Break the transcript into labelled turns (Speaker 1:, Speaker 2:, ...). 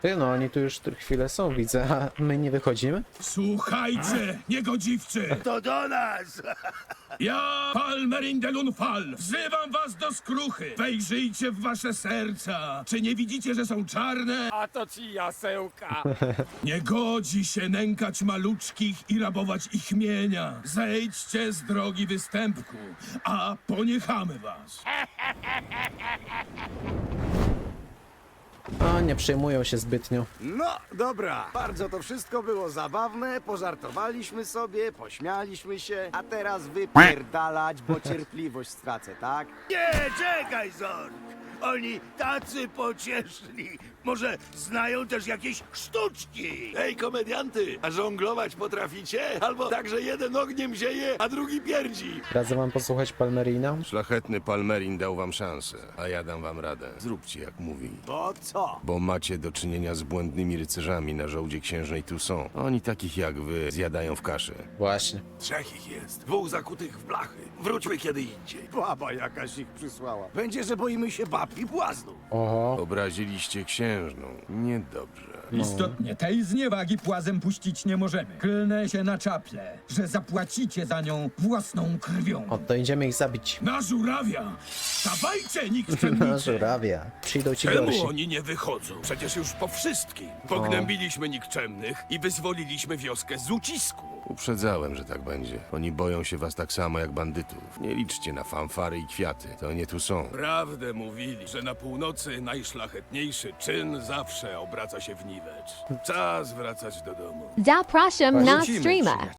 Speaker 1: Ty no, oni tu już chwilę są, widzę, a my nie wychodzimy?
Speaker 2: Słuchajcie, niegodziwcy!
Speaker 3: To do nas!
Speaker 2: Ja, Palmerin de Lunfal, wzywam was do skruchy! Wejrzyjcie w wasze serca! Czy nie widzicie, że są czarne?
Speaker 4: A to ci jasełka.
Speaker 2: Nie godzi się nękać maluczkich i rabować ich mienia. Zejdźcie z drogi występku, a poniechamy was.
Speaker 1: A, nie przejmują się zbytnio.
Speaker 3: No, dobra. Bardzo to wszystko było zabawne, pożartowaliśmy sobie, pośmialiśmy się, a teraz wypierdalać, bo cierpliwość stracę, tak?
Speaker 5: Nie, czekaj, Zork! Oni tacy pocieszni. Może znają też jakieś sztuczki?
Speaker 6: Ej, komedianty, a żonglować potraficie? Albo tak, że jeden ogniem zieje, a drugi pierdzi.
Speaker 1: Radzę wam posłuchać Palmerina.
Speaker 7: Szlachetny Palmerin dał wam szansę, a ja dam wam radę. Zróbcie jak mówi.
Speaker 3: Bo co?
Speaker 7: Bo macie do czynienia z błędnymi rycerzami na żołdzie księżnej Toussaint. Oni takich jak wy zjadają w kaszę.
Speaker 1: Właśnie.
Speaker 6: Trzech ich jest, dwóch zakutych w blachy. Wróćmy kiedy indziej.
Speaker 3: Baba jakaś ich przysłała. Będzie, że boimy się bab i błaznów.
Speaker 1: Oho.
Speaker 7: Obraziliście księżną. Niedobrze.
Speaker 4: Istotnie tej zniewagi płazem puścić nie możemy. Klnę się na czaple, że zapłacicie za nią własną krwią.
Speaker 1: O, to idziemy ich zabić.
Speaker 2: Na żurawia! Dawajcie,
Speaker 1: Na
Speaker 2: nikczemnicy!
Speaker 1: żurawia. Przyjdą ci gorsi.
Speaker 2: Czemu oni nie wychodzą? Przecież już po wszystkim. Pognębiliśmy nikczemnych i wyzwoliliśmy wioskę z ucisku.
Speaker 7: Uprzedzałem, że tak będzie. Oni boją się was tak samo jak bandytów. Nie liczcie na fanfary i kwiaty. To nie Toussaint.
Speaker 2: Prawdę mówili, że na północy najszlachetniejszy czyn zawsze obraca się w niwecz. Czas wracać do domu.
Speaker 8: Zapraszam na
Speaker 1: Rzucimy
Speaker 8: streama.